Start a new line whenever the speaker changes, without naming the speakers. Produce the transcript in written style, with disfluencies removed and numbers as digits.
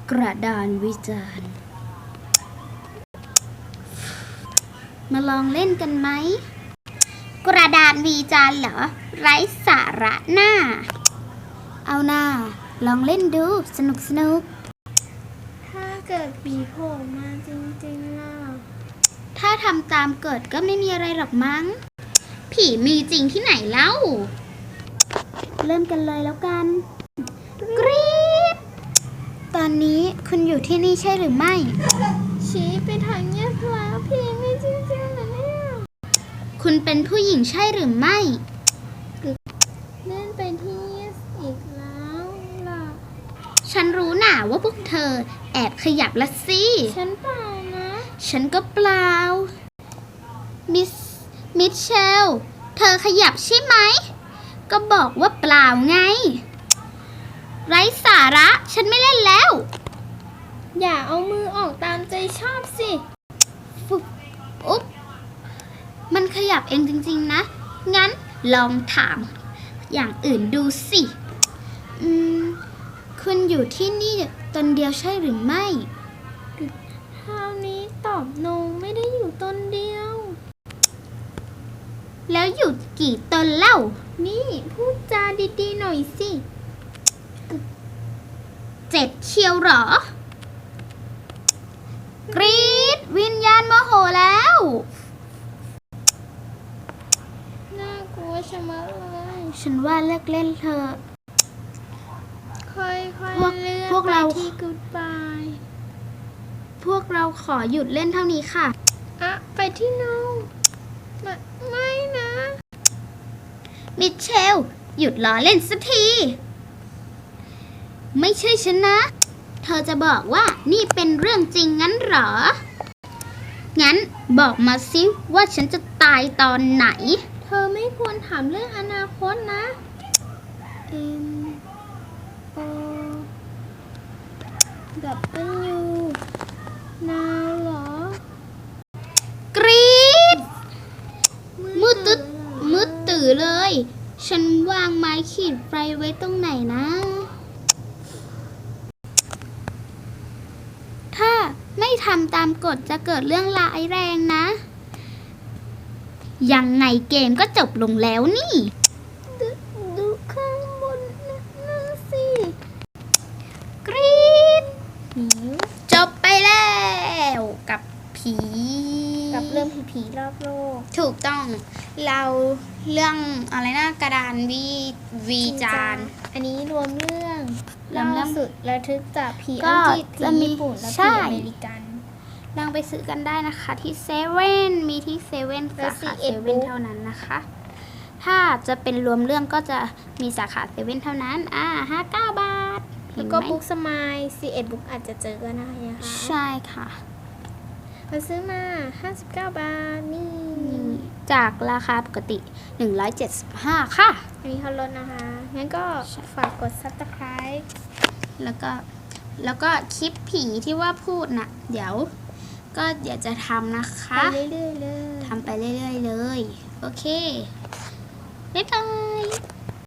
กระดานวิจารณ์มาลองเล่นกันไหมกระดานวิจารณ์เหรอไร้สาระหน้าเอาหน้าลองเล่นดูสนุก
ถ้าเกิดผีโผล่มาจริงๆล่ะ
ถ้าทำตามกฎก็ไม่มีอะไรหรอกมั้งผีมีจริงที่ไหนเล่าเริ่มกันเลยแล้วกันกรี๊ดตอนนี้คุณอยู่ที่นี่ใช่หรือไม่
ชี้ไปทางเงียบแล้วผีมีจริงๆเหรอเนี่ย
คุณเป็นผู้หญิงใช่หรือไม่
เล่นไปที่เงียบอีกแล้วล่ะ
ฉันรู้หน่าว่าพวกเธอแอบขยับละสิ
ฉันเปล่านะ
ฉันก็เปล่ามิเชลเธอขยับใช่ไหมก็บอกว่าเปล่าไงไร้สาระฉันไม่เล่นแล้ว
อย่าเอามือออกตามใจชอบสิ
อุ๊บมันขยับเองจริงๆนะงั้นลองถามอย่างอื่นดูสิคุณอยู่ที่นี่ตนเดียวใช่หรือไม่
คราวนี้ตอบโนไม่ได้อยู่ตนเดียว
แล้วอยู่กี่ตนเล่า
นี่พูดจาดีๆหน่อยสิ
7เชียวหรอกรี๊ดวิญญาณโมโหแล้ว
น่ากลัวชะมัดเลย
ฉันว่าเลิกเล่นเถอะ
ค่อยๆเลื่อนไปที่ Goodbye
พวกเราขอหยุดเล่นเท่านี้ค่ะ
ไปที่ No ไม่นะ
มิเชลหยุดล้อเล่นสักทีไม่ใช่ฉันนะเธอจะบอกว่านี่เป็นเรื่องจริงงั้นเหรองั้นบอกมาสิว่าฉันจะตายตอนไหน
เธอไม่ควรถามเรื่องอนาคตนะW นาวเหรอก
รี๊ดมืดตื่อเลยฉันวางไม้ขีดไฟไว้ตรงไหนนะถ้าไม่ทำตามกฎจะเกิดเรื่องร้ายแรงนะยังไงเกมก็จบลงแล้วนี่
ดูข้างบนนั่นสิ
กรี๊ดจบไปแล้วกับผี
กับเรื่องผีรอบโลก
ถูกต้องเราเรื่องอะไรนะกระดานวีจาน
อันนี้รวมเรื่องล่าสุดระทึกจากผีอังกฤษผีญี่ปุ่นและผีอเมริกัน
ลองไปซื้อกันได้นะคะที่เซเว่นมีที่เซเว่นสาขาเซเว่นเท่านั้นนะคะถ้าจะเป็นรวมเรื่องก็จะมีสาขาเซเว่นเท่านั้น59 บาท
แล้วก็บุ๊กสมาย11บุ๊กอาจจะเจอก็ได้นะคะ
ใช่ค่ะ
เราซื้อมา59 บาทนี่
จากราคาปกติ175ค่ะ
อันนี้เขาลดนะคะงั้นก็ฝากกด Subscribe
แล้วก็คลิปผีที่ว่าพูดน่ะเดี๋ยวจะทำนะคะ
ไปเรื่อยๆเลย
ทำไปเรื่อยๆเลยโอเคบ๊ายบาย